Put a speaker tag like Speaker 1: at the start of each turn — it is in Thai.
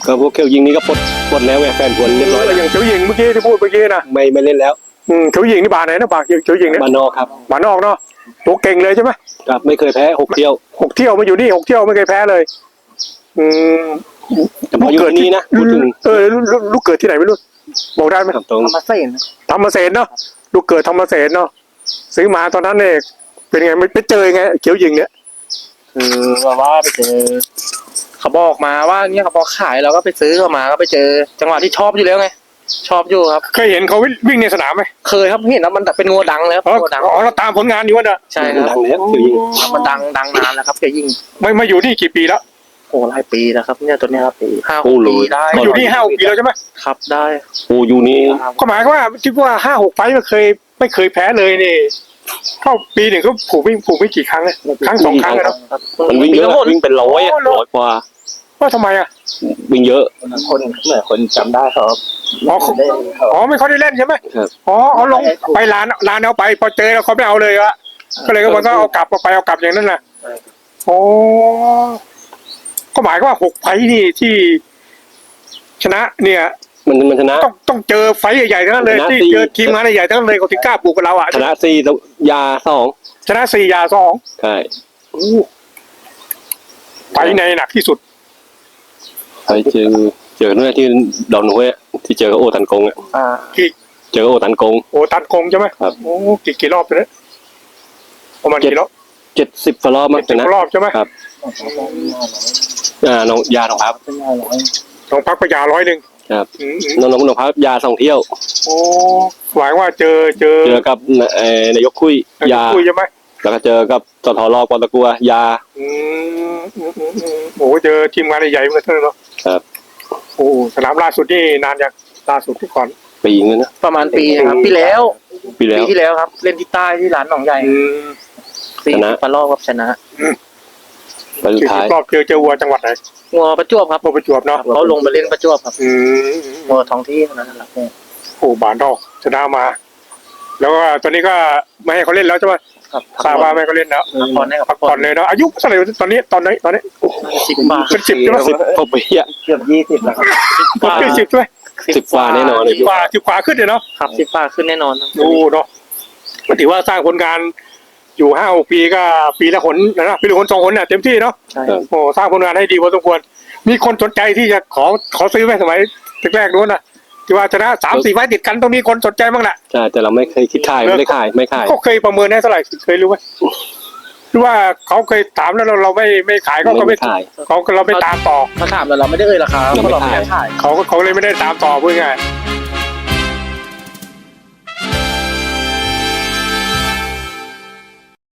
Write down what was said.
Speaker 1: ก็พวกเขียวยิงนี่ก็ปลดแล้วไงแฟนผลเรียบร้อยแล้ว
Speaker 2: อย่างเขียวหญิงเมื่อกี้ที่พูดเมื่อกี้นะ
Speaker 1: ไม่เล่นแล้ว
Speaker 2: เขียวหญิงนี่บาไหนนะบาเขียวหญิงเนี่ย
Speaker 1: มานอกครับ
Speaker 2: บานอกเนาะตัวเก่งเลยใช่ไหม
Speaker 1: ครับไม่เคยแพ้6 เที่ยว
Speaker 2: 6 เที่ยวมาอยู่นี่6 เที่ยวไม่เคยแพ้เลย
Speaker 1: แต่พออยู่ที่นี่นะพูดถึง
Speaker 2: ลูกเกิดที่ไหนไม่รู้บอกได้ไหม
Speaker 1: ครับตรง
Speaker 3: ธรรมเสน
Speaker 2: ธรรมเสนเนาะลูกเกิดธรรมเสนเนาะซื้อมาตอนนั้นเนี่ยเป็นไงไม่ไปเจอไงเขียวหญิงเนี่ย
Speaker 3: คือว่าไปเจอเขาบอกมาว่าเนี่ยเขาบอกขายเราก็ไปซื้อเขามาก็ไปเจอจังหวะที่ชอบอยู่แล้วไงชอบอยู่ครับ
Speaker 2: เคยเห็นเขาวิ่งในสนามไหม
Speaker 3: เคยครับเห็นแล้วมันแต่เป็นงัวดังแล้ว
Speaker 2: อ๋อ
Speaker 3: งัวดัง
Speaker 2: เราตามผลงานอยู่ว่าน่ะ
Speaker 3: ใช่ค
Speaker 1: ดั
Speaker 3: รับ
Speaker 1: งแล้วเขียวยิง
Speaker 3: มันดังนานแล้วครับแกยิง
Speaker 2: ไม่มาอยู่นี่กี่ปีแล้ว
Speaker 3: โอ้หลายปีแล้วครับเนี่ยตัวเนี้ยครับ5 ปีได้
Speaker 2: มาอยู่นี่5-6 ปีแล้วใช่ไหม
Speaker 3: ครับได้
Speaker 1: โอ้อยู่นี่
Speaker 2: ก็หมายความว่าคิดว่า5-6 ไฟล์ไม่เคยแพ้เลยนี่เข้าปีหนึ่งก็ผูกไม่กี่ครั้งเลยครั้ง 2 ครั้งนะ
Speaker 1: มันวิ่งเยอะ
Speaker 3: ทั้งหมด
Speaker 1: วิ่งเป็นร้อยอะ
Speaker 2: โอ้โห
Speaker 1: ร้อยกว่า
Speaker 2: ว่าทำไมอ่ะ
Speaker 1: วิ่งเยอะ
Speaker 3: คนเหมือนคนจำได้ครับ
Speaker 2: อ๋อไม่ค่อยได้เล่นใช่ไหม
Speaker 1: ครับ
Speaker 2: อ๋อเอาลงไปลานเอาไปพอเจอแล้วเขาไม่เอาเลยอะก็เลยมันก็เอากลับอย่างนั้นน่ะโอ้ก็หมายว่า6 ไฟล์นี่ที่ชนะเนี่ย
Speaker 1: มันชนะ
Speaker 2: ต้องเจอไฟล์ใหญ่ๆทั้งนั้นเลย
Speaker 1: ชนะ
Speaker 2: ที่
Speaker 1: สี่
Speaker 2: เจอทีมงานใหญ่ๆทั้งนั้นเลยเขาถึงกล้าปลูกกับเราอ่ะ
Speaker 1: ชนะ4แล้วยา2
Speaker 2: ชนะ4 ยา 2
Speaker 1: ใช่
Speaker 2: ไฟล์ไหนหนักที่สุด
Speaker 1: ไปเจอเมื่อที่ดอนห้วยอะที่เจอกับโอตันกงอะ
Speaker 2: กี่
Speaker 1: เจอกับโอตันกง
Speaker 2: โอ้ตันคงใช่ไหม
Speaker 1: ครับ
Speaker 2: โอ้กี่รอบไปเลยประมาณกี่รอบ
Speaker 1: 70 รอบมั้งชนะ
Speaker 2: รอบใช่ไหม
Speaker 1: ครับน้องยาน้องพับ
Speaker 2: ต้องพักประหยา100
Speaker 1: ครับน้องพับยา2 เที่ยว
Speaker 2: โอ้หมายว่าเจอ
Speaker 1: เจอกับนายกคุยยา
Speaker 2: คุยใช่ไหม
Speaker 1: แล้วก็เจอกับสทรปตะกัวยา
Speaker 2: โอ้เจอทีมงานใหญ่ๆเหมือนกันเนาะ
Speaker 1: ครับ
Speaker 2: โอ้สนามล่าสุดนี่นานยังล่าสุดที่ก่อน
Speaker 1: ปีนึงนะ
Speaker 3: ประมาณปีนะครับปีแล้ว
Speaker 1: ปีแล้ว
Speaker 3: ที่แล้วครับ เล่นที่ใต้ที่ร้านหนองใหญ่
Speaker 1: ชนะ
Speaker 3: ปลารอบครับชนะ
Speaker 1: ไปสุดท้าย
Speaker 2: รอบเจอวัวจังหวัดไหน
Speaker 3: งัวประจวบครับ
Speaker 2: วัวประจวบเนาะ
Speaker 3: เขาลงไปเล่นประจวบครับ
Speaker 2: อืม
Speaker 3: งัวท้องที่เท่านั้นแหละครับ
Speaker 2: โอ้บานดอกชนะมา แล้วก็ตอนนี้ก็ไม่ให้เขาเล่นแล้วใช่ไหม
Speaker 3: ครับ
Speaker 2: ทราบว่าไม่ให้เขาเล่นแล้ว
Speaker 3: พักผ่อนให้กับ
Speaker 2: พักผ่อนเลยเนาะอายุเท่าไหร่ตอนนี้ตอนนี้
Speaker 3: 10 บาท
Speaker 2: เป็น10ใช่ไหม
Speaker 1: 10 กว่าปีอะ
Speaker 3: เกือบ20แล้วครับ
Speaker 2: เป็น10ใช่ไหม
Speaker 1: 10 กว่าแน่นอนเลย
Speaker 2: 10 กว่าขึ้นเลยเนาะ
Speaker 3: ครับ10 บาทขึ้นแน่นอนครับ
Speaker 2: ดูเนาะก็ถือว่าสร้างผลงานอยู่5-6 ปีก็ปีละหนนะปีละหน2 หนเนี่ยเต็มที่เนาะ
Speaker 3: ใช่
Speaker 2: โอ้สร้างผลงานให้ดีพอสมควรมีคนสนใจที่จะขอซื้อไหมสมัยแรกๆนู้นนะที่ว่าชนะ3-4 ไฟล์ติดกันต้องมีคนสนใจบ้างแหละ
Speaker 1: ใช่แต่เราไม่เคยคิดขายไม่ขาย
Speaker 2: ก็เคยประเมินได้เท่าไหร่เคยรู้ไหมหรือว่าเขาเคยถามแล้วเราไม่ขายก็ไม่
Speaker 1: ขาย
Speaker 2: เราไม่ตามต่อ
Speaker 3: เขาถามแต่เราไม่ได้เอ่ยราคาเพราะเราไม่ได้ขาย
Speaker 2: เขาเลยไม่ได้ตามต่อพูดง่าย